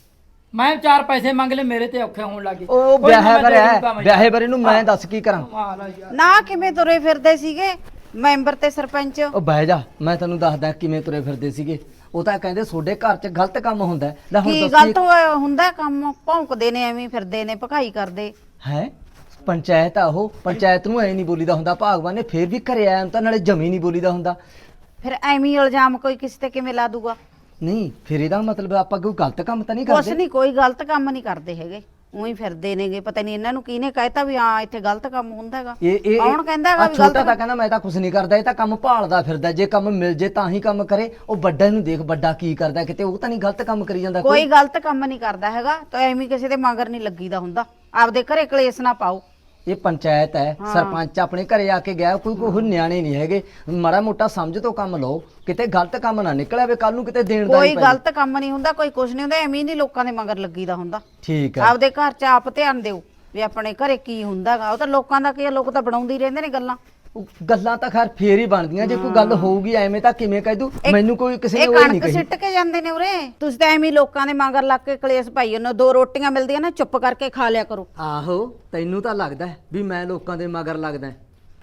S2: ਮੈਂ ਚਾਰ ਪੈਸੇ ਮੰਗ ਲਏ, ਮੇਰੇ ਤੇ ਔਖੇ ਹੋਣ ਲੱਗੇ।
S1: ਉਹ ਵਿਆਹੇ ਬਰਿਆ ਵਿਆਹੇ ਬਰੇ ਨੂੰ ਮੈਂ ਦੱਸ ਕੀ ਕਰਾਂ?
S8: ਨਾ ਕਿਵੇਂ ਤੁਰੇ ਫਿਰਦੇ ਸੀਗੇ ਮੈਂਬਰ ਤੇ ਸਰਪੰਚ?
S1: ਉਹ ਬਹਿ ਜਾ, ਮੈਂ ਤੈਨੂੰ ਦੱਸਦਾ ਕਿਵੇਂ ਤੁਰੇ ਫਿਰਦੇ ਸੀਗੇ। ਉਹ ਤਾਂ ਕਹਿੰਦੇ ਤੁਹਾਡੇ ਘਰ 'ਚ ਗਲਤ ਕੰਮ ਹੁੰਦਾ ਹੈ। ਲੈ ਹੁਣ
S8: ਕੀ
S1: ਦੱਸੀ
S8: ਗਲਤ ਹੋਇਆ ਹੁੰਦਾ? ਕੰਮ ਭੌਂਕਦੇ ਨੇ, ਐਵੇਂ ਫਿਰਦੇ ਨੇ, ਭਕਾਈ ਕਰਦੇ।
S1: ਹੈ ਪੰਚਾਇਤ ਆ ਉਹ, ਪੰਚਾਇਤ ਨੂੰ ਐ ਨਹੀਂ ਬੋਲੀਦਾ ਹੁੰਦਾ। ਭਾਗਵਾਨ ਨੇ ਫੇਰ ਵੀ ਘਰੇ ਆਇਆ ਤਾਂ ਨਾਲੇ ਜਮੀ ਨਹੀਂ ਬੋਲੀਦਾ ਹੁੰਦਾ।
S8: ਫਿਰ ਐਵੇਂ ਹੀ ਇਲਜ਼ਾਮ ਕੋਈ ਕਿਸੇ ਤੇ ਕਿਵੇਂ ਲਾ ਦੂਗਾ?
S1: ਨਹੀਂ ਫਿਰ ਇਹਦਾ ਮਤਲਬ ਆਪਾਂ ਕੋਈ ਗਲਤ ਕੰਮ ਤਾਂ ਨਹੀਂ
S8: ਕੁਛ
S1: ਕਰਦੇ।
S8: ਨਹੀਂ, ਕੋਈ ਗਲਤ ਕੰਮ ਨਹੀਂ ਕਰਦੇ ਹੈਗੇ, ਉਹੀ ਫਿਰਦੇ ਨੇਗੇ। ਪਤਾ ਨਹੀਂ ਇਹਨਾਂ ਨੂੰ ਕਿਹਨੇ ਕਹਿਤਾ ਵੀ ਹਾਂ ਇੱਥੇ ਗਲਤ ਕੰਮ ਹੁੰਦਾ ਹੈਗਾ।
S1: ਇਹ ਇਹ
S8: ਕੌਣ ਕਹਿੰਦਾ ਹੈਗਾ
S1: ਆਹ
S8: ਵੀ
S1: ਛੋਟਾ
S8: ਗਲਤ
S1: ਤਾਂ ਕਹਿੰਦਾ ਮੈਂ ਤਾਂ ਕੁਝ ਨਹੀਂ ਕਰਦਾ, ਇਹ ਤਾਂ ਕੰਮ ਭਾਲਦਾ ਫਿਰਦਾ। ਜੇ ਕੰਮ ਮਿਲ ਜੇ ਤਾਂ ਹੀ ਕੰਮ ਕਰੇ। ਉਹ ਵੱਡਾ ਨੂੰ ਦੇਖ, ਵੱਡਾ ਕੀ ਕਰਦਾ, ਕਿਤੇ ਉਹ ਤਾਂ ਨਹੀਂ ਗਲਤ ਕੰਮ ਕਰੀ ਜਾਂਦਾ
S8: ਕੋਈ ਗਲਤ ਕੰਮ ਨਹੀਂ ਕਰਦਾ ਹੈਗਾ, ਤਾਂ ਐਵੇਂ ਕਿਸੇ ਦੇ ਮਗਰ ਨਹੀਂ ਲੱਗੀਦਾ ਹੁੰਦਾ। ਆਪਦੇ ਘਰੇ ਕਲੇਸ਼ ਨਾ ਪਾਓ।
S1: ਇਹ ਪੰਚਾਇਤ ਹੈ, ਸਰਪੰਚ ਆਪਣੇ ਘਰੇ ਆ ਕੇ ਗਿਆ, ਕੋਈ ਕੋਈ ਨਿਆਣੇ ਨਹੀਂ ਹੈਗੇ। ਮਾੜਾ ਮੋਟਾ ਸਮਝ ਤੋਂ ਕੰਮ ਲਓ, ਕਿਤੇ ਗਲਤ ਕੰਮ ਨਾ ਨਿਕਲ ਆਵੇ ਕੱਲ ਨੂੰ ਕਿਤੇ ਦੇਣ ਦਾ
S8: ਕੋਈ
S1: ਹੀ ਪੈ
S8: ਗਲਤ ਕੰਮ ਨਹੀਂ ਹੁੰਦਾ, ਕੋਈ ਕੁਝ ਨਹੀਂ ਹੁੰਦਾ। ਐਵੇਂ ਨਹੀਂ ਲੋਕਾਂ ਦੇ ਮਗਰ ਲੱਗੀਦਾ ਹੁੰਦਾ।
S1: ਠੀਕ ਹੈ।
S8: ਆਪਦੇ ਘਰ 'ਚ ਆਪ ਧਿਆਨ ਦਿਓ ਵੀ ਆਪਣੇ ਘਰੇ ਕੀ ਹੁੰਦਾਗਾ। ਉਹ ਤਾਂ ਲੋਕਾਂ ਦਾ ਕੀ ਆ, ਲੋਕ ਤਾਂ ਬਣਾਉਂਦੇ ਹੀ ਰਹਿੰਦੇ ਨੇ ਗੱਲਾਂ।
S1: ਉਹ ਗੱਲਾਂ ਤਾਂ ਖੈਰ ਫੇਰ ਹੀ ਬਣਦੀਆਂ ਜੇ ਕੋਈ ਗੱਲ ਹੋਊਗੀ। ਐਵੇਂ ਤਾਂ ਕਿਵੇਂ ਕਹਿ ਦੂ? ਮੈਨੂੰ ਕੋਈ ਕਿਸੇ ਨੇ
S8: ਇਹ
S1: ਉਹ ਨਹੀਂ
S8: ਕਣਕ
S1: ਕਹੀ।
S8: ਸਿੱਟ ਕੇ ਜਾਂਦੇ ਨੇ ਉਰੇ। ਤੁਸੀਂ ਤਾਂ ਐਵੇਂ ਹੀ ਲੋਕਾਂ ਦੇ ਮਗਰ ਲੱਗ ਕੇ ਕਲੇਸ਼ ਪਾਈ ਜਾਂਦੇ ਹੋ। ਦੋ ਰੋਟੀਆਂ ਮਿਲਦੀਆਂ ਨਾ, ਚੁੱਪ ਕਰਕੇ ਖਾ ਲਿਆ ਕਰੋ।
S1: ਆਹੋ ਤੈਨੂੰ ਤਾਂ ਲੱਗਦਾ ਹੈ ਵੀ ਮੈਂ ਲੋਕਾਂ ਦੇ ਮਗਰ ਲੱਗਦਾ।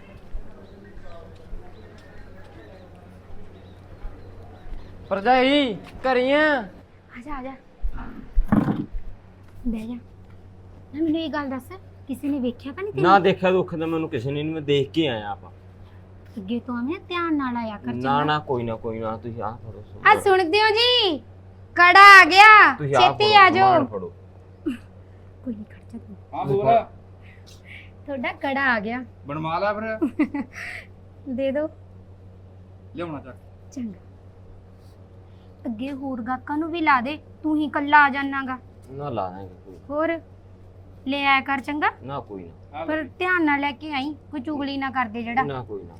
S2: ਭਰਜਾਈ ਘਰੀਆਂ
S3: ਆ ਜਾ ਆ ਜਾ ਬਹਿ ਜਾ। ਨਾ ਮੈਨੂੰ ਇਹ ਗੱਲ ਦੱਸ, ਕਿਸੇ ਨੇ ਵੇਖਿਆ ਤਾਂ ਨਹੀਂ
S4: ਨਾ
S3: ਤੈਨੂੰ?
S4: ਦੇਖਿਆ ਦੁੱਖ ਤਾਂ ਮੈਨੂੰ ਕਿਸੇ ਨੇ ਨਹੀਂ, ਮੈਂ ਦੇਖ ਕੇ ਆਇਆ ਆਪਾਂ।
S3: ਅੱਗੇ ਤੋਂ ਆਵੇਂ ਧਿਆਨ ਨਾਲ ਆਇਆ ਕਰ।
S4: ਨਾ ਨਾ ਕੋਈ ਨਾ ਕੋਈ ਨਾ, ਤੁਸੀਂ ਆਹ ਫੜੋ
S3: ਆ ਸੁਣਦੇ ਹੋ ਜੀ? ਕੜਾ ਆ ਗਿਆ,
S4: ਤੁਸੀਂ ਆਹ
S3: ਛੇਤੀ
S4: ਫੜੋ,
S3: ਆ ਜਾਓ।
S4: ਸਮਾਨ ਫੜੋ।
S3: ਕੋਈ ਨਹੀਂ ਖੜ ਜਾ ਤੂੰ।
S7: ਹਾਂ ਬੋਲ।
S3: ਤੁਹਾਡਾ ਕੜਾ ਆ ਗਿਆ,
S7: ਬਣਵਾ ਲੈ ਫਿਰ।
S3: ਦੇ ਦਿਓ।
S7: ਲਿਆਉਣਾ ਚੱਕ।
S3: ਚੰਗਾ, ਅੱਗੇ ਹੋਰ ਗਾਕਾਂ ਨੂੰ ਵੀ ਲਾ ਦੇ, ਤੂੰ ਹੀ ਕੱਲਾ ਆ ਜਾਣਾਗਾ।
S4: ਨਾ ਲਾ ਦਾਂਗੇ ਕੋਈ
S3: ਹੋਰ ਲੈ ਆਇਆ ਕਰ ਚੰਗਾ,
S4: ਨਾ ਕੋਈ ਨਾ
S3: ਪਰ ਧਿਆਨ ਨਾਲ ਲੈ ਕੇ ਆਈ, ਕੋਈ ਚੁਗਲੀ ਨਾ ਕਰਦੇ ਜਿਹੜਾ।
S4: ਨਾ ਕੋਈ ਨਾ।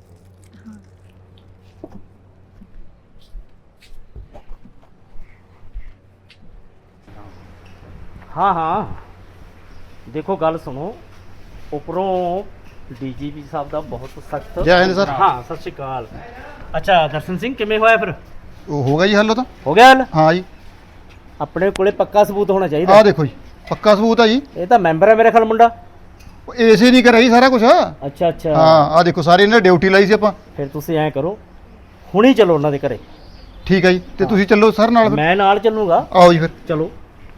S4: ਹਾਂ ਹਾਂ ਦੇਖੋ ਗੱਲ ਸੁਣੋ, ਉੱਪਰੋਂ ਡੀਜੀਪੀ ਸਾਹਿਬ ਦਾ ਬਹੁਤ ਸਖਤ।
S6: ਜੈ ਹਿੰਦ ਸਰ।
S4: ਹਾਂ ਸਤਿ ਸ਼੍ਰੀ ਅਕਾਲ। ਅੱਛਾ ਦਰਸ਼ਨ ਸਿੰਘ ਕਿਵੇਂ ਹੋਇਆ ਫਿਰ?
S6: ਉਹ ਹੋ ਗਿਆ ਜੀ ਹੱਲ? ਉਹ ਤਾਂ
S4: ਹੋ ਗਿਆ ਹੱਲ?
S6: ਹਾਂ ਜੀ।
S4: ਆਪਣੇ ਕੋਲੇ ਪੱਕਾ ਸਬੂਤ ਹੋਣਾ ਚਾਹੀਦਾ।
S6: ਆਹ ਦੇਖੋ ਜੀ, ਪੱਕਾ ਸਬੂਤ ਆ ਜੀ।
S4: ਇਹ ਤਾਂ ਮੈਂਬਰ ਹੈ ਮੇਰੇ ਖਿਆਲ ਮੁੰਡਾ।
S6: ਏਸੇ ਨਹੀਂ ਕਰਿਆ ਜੀ ਸਾਰਾ ਕੁਝ।
S4: ਅੱਛਾ ਅੱਛਾ
S6: ਹਾਂ ਆਹ ਦੇਖੋ, ਸਾਰੇ ਇਹਨਾਂ ਡਿਊਟੀ ਲਾਈ ਸੀ ਆਪਾਂ।
S4: ਫਿਰ ਤੁਸੀਂ ਐਂ ਕਰੋ, ਹੁਣੀ ਚਲੋ ਉਹਨਾਂ ਦੇ ਘਰੇ।
S6: ਠੀਕ ਹੈ ਜੀ, ਤੇ ਤੁਸੀਂ ਚੱਲੋ ਸਰ ਨਾਲ ਫਿਰ।
S4: ਮੈਂ ਨਾਲ ਚੱਲੂਗਾ।
S6: ਆਓ ਜੀ ਫਿਰ।
S4: ਚਲੋ।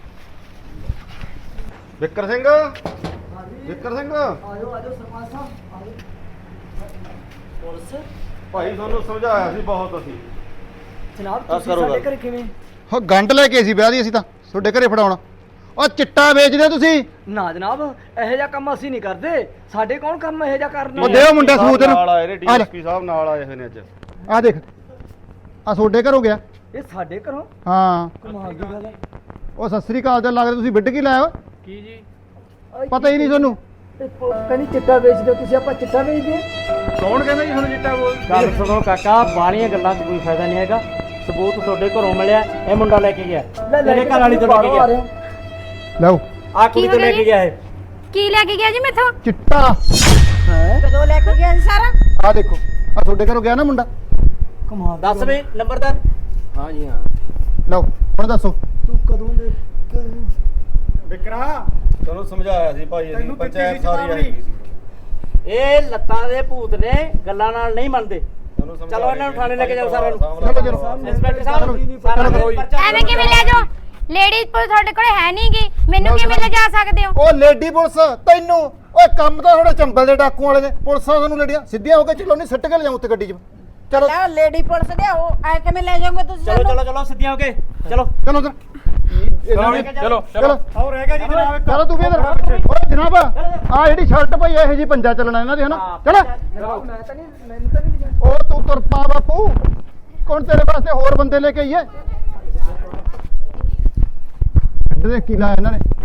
S7: ਵਿਕਰ ਸਿੰਘ, ਵਿਕਰ ਸਿੰਘ
S1: ਆਜੋ ਆਜੋ ਸਰਪੰਚ ਸਾਹਿਬ ਆਜੋ। ਪੁਲਿਸ
S7: ਭਾਈ ਤੁਹਾਨੂੰ ਸਮਝਾਇਆ ਸੀ ਬਹੁਤ ਅਸੀਂ।
S1: ਜਨਾਬ
S7: ਆਹ
S1: ਤੁਸੀਂ
S7: ਕਰੋ
S1: ਸਾਡੇ
S7: ਗੱਲ।
S1: ਘਰੇ ਕਿਵੇਂ
S6: ਹੋ ਗੰਢ ਲੈ ਕੇ ਸੀ ਵਿਆਹ ਦੀ ਅਸੀਂ ਤਾਂ ਤੁਹਾਡੇ ਘਰੇ ਫੜਾਉਣਾ। ਉਹ ਚਿੱਟਾ ਵੇਚਦੇ ਹੋ ਤੁਸੀਂ?
S1: ਨਾ ਜਨਾਬ ਇਹੋ ਜਿਹਾ ਕੰਮ ਅਸੀਂ ਨਹੀਂ ਕਰਦੇ, ਸਾਡੇ ਕੌਣ ਕੰਮ ਇਹੋ ਜਿਹਾ ਕਰਨਾ
S6: ਉਹ ਦਿਓ ਮੁੰਡਾ ਸਬੂਤ ਇਹਨੂੰ।
S7: ਨਾਲ ਆਏ ਨੇ
S6: ਆ ਲੈ,
S7: ਡੀਐਸਪੀ ਸਾਹਿਬ ਨਾਲ ਆਏ ਹੋਏ ਨੇ ਅੱਜ।
S6: ਆ ਦੇਖ ਆ ਤੁਹਾਡੇ ਘਰੋਂ ਗਿਆ।
S1: ਇਹ ਸਾਡੇ ਘਰੋਂ
S6: ਹਾਂ
S1: ਕਮਾਲ ਦੀ ਗੱਲ ਹੈ।
S6: ਉਹ ਸਤਿ ਸ੍ਰੀ ਅਕਾਲ ਦਾ ਲੱਗਦਾ ਤੁਸੀਂ ਵਿੱਢ ਕੀ ਲਾਇਆ ਓਏ?
S4: ਕੀ ਜੀ?
S6: ਪਤਾ ਹੀ ਨਹੀਂ ਤੁਹਾਨੂੰ।
S1: ਇਹ ਪ- ਕਹਿੰਦੀ ਚਿੱਟਾ ਵੇਚਦੇ ਹੋ ਤੁਸੀਂ, ਆਪਾਂ ਚਿੱਟਾ ਵੇਚਦੇ ਹਾਂ?
S5: ਕੌਣ ਕਹਿੰਦਾ ਜੀ ਤੁਹਾਨੂੰ ਚਿੱਟਾ ਬੋਲ?
S4: ਗੱਲ ਸੁਣੋ ਕਾਕਾ, ਬਾਲੀਆਂ ਗੱਲਾਂ 'ਚ ਕੋਈ ਫਾਇਦਾ ਨਹੀਂ ਹੈਗਾ। ਸਬੂਤ ਤੁਹਾਡੇ ਘਰੋਂ ਮਿਲਿਆ, ਇਹ ਮੁੰਡਾ ਲੈ ਕੇ ਗਿਆ,
S1: ਲੈ ਲੈ
S4: ਤੇਰੇ
S1: ਕੇ
S4: ਘਰ ਵਾਲੀ ਤੋਂ ਲੈ ਕੇ
S1: ਬਾਹਰੋਂ ਆ ਰਹੇ
S4: ਗਿਆ,
S1: ਹੋ।
S6: ਲਓ
S4: ਆ ਕੁੜੀ ਤੋਂ ਲੈ ਕੇ ਗਿਆ ਇਹ।
S3: ਕੀ ਲੈ ਕੇ ਗਿਆ ਜੀ ਮੈਥੋਂ?
S6: ਚਿੱਟਾ।
S1: ਹੈਂ?
S8: ਕਦੋਂ ਲੈ ਕੇ ਗਿਆ ਸੀ ਸਾਰਾ?
S6: ਆ ਦੇਖੋ ਆ ਤੁਹਾਡੇ ਘਰੋਂ ਗਿਆ ਨਾ ਮੁੰਡਾ।
S1: ਕਮਾਲ ਦੀ
S4: ਦੱਸ
S1: ਗੱਲ।
S4: ਵੀ ਨੰਬਰਦਾਰ। ਹਾਂ ਜੀ ਹਾਂ।
S6: ਲਓ ਹੁਣ ਦੱਸੋ।
S1: ਤੂੰ ਕਦੋਂ ਦੇ ਕਦੋਂ-
S9: ਵਿਕਰਾ
S7: ਤੁਹਾਨੂੰ ਸਮਝਾਇਆ ਸੀ ਭਾਈ ਅਸੀਂ,
S9: ਤੈਨੂੰ ਦਿੱਤੀ
S7: ਪੰਚਾਇਤ
S9: ਸੀ
S7: ਸਾਰੀ
S9: ਚੇਤਾਵਨੀ।
S7: ਆਈ ਸੀ।
S4: ਇਹ ਲੱਤਾਂ ਦੇ ਭੂਤ ਨੇ, ਗੱਲਾਂ ਨਾਲ ਨਹੀਂ ਮੰਨਦੇ।
S7: ਤੁਹਾਨੂੰ ਸਮਝਾਇਆ
S4: ਚਲੋ ਇਹਨਾਂ ਨੂੰ ਥਾਣੇ ਲੈ ਕੇ ਜਾਓ ਸਾਰਿਆਂ ਨੂੰ।
S6: ਚਲੋ, ਚਲੋ।
S4: ਇੰਸਪੈਕਟਰ ਸਾਹਿਬ ਸਾਰਾ
S6: ਕਰੋ ਜੀ।
S4: ਪਰਚਾ
S3: ਐਵੇਂ ਕਿਵੇਂ ਲੈ ਜਾਓ? ਲੇਡੀਜ਼ ਪੁਲਿਸ ਤੁਹਾਡੇ ਕੋਲੇ ਹੈ ਨਹੀਂਗੀ, ਮੈਨੂੰ ਕਿਵੇਂ ਲਿਜਾ ਸਕਦੇ ਹੋ?
S6: ਉਹ ਲੇਡੀ ਪੁਲਿਸ ਤੈਨੂੰ ਓਏ ਕੰਮ ਤਾਂ ਥੋੜਾ ਚੰਬਲ ਦੇ ਡਾਕੂ ਵਾਲੇ ਦੇ। ਪੁਲਿਸਾਂ ਤੁਹਾਨੂੰ ਲੇਡੀਆਂ ਸਿੱਧੀਆਂ ਹੋ ਕੇ ਚਲੋ, ਨਹੀਂ ਸਿੱਟ ਕੇ ਲਿਜਾਉ ਉੱਤੇ ਗੱਡੀ 'ਚ। ਚਲੋ
S8: ਲੈ ਲੇਡੀ ਪੁਲਿਸ ਦੇ ਉਹ ਐ ਕਿਵੇਂ ਲੈ ਜਾਓਗੇ ਤੁਸੀਂ
S4: ਚਲੋ ਚਲੋ ਚਲੋ ਸਿੱਧੀਆਂ ਹੋ ਕੇ ਚਲੋ।
S6: ਚਲੋ ਉਧਰ
S5: ਚਲੋ
S6: ਚਲੋ
S9: ਹੋਰ ਰਹਿ ਗਿਆ ਜੀ ਜਨਾਬ ਇੱਕ।
S6: ਚਲੋ ਤੂੰ ਵੀ ਇਧਰ। ਓਏ ਜਨਾਬ ਆ ਜਿਹੜੀ ਸ਼ਰਟ ਪਈ ਇਹੋ ਜੀ ਪੰਜਾ ਚੱਲਣਾ ਇਹਨਾਂ ਦੀ ਹਨਾ। ਚਲੋ
S1: ਜਨਾਬ ਮੈਂ ਤਾਂ ਨਹੀਂ, ਮੈਨੂੰ ਤਾਂ ਨਹੀਂ ਲਿਜਾਣਾ।
S6: ਉਹ ਤੂੰ ਤੁਰ ਪਾ ਬਾਪੂ, ਕੌਣ ਤੇਰੇ ਵਾਸਤੇ ਹੋਰ ਬੰਦੇ ਲੈ ਕੇ ਆਈਏ? ਦੇ ਕੀ ਲਾਇਆ ਇਹਨਾਂ ਨੇ।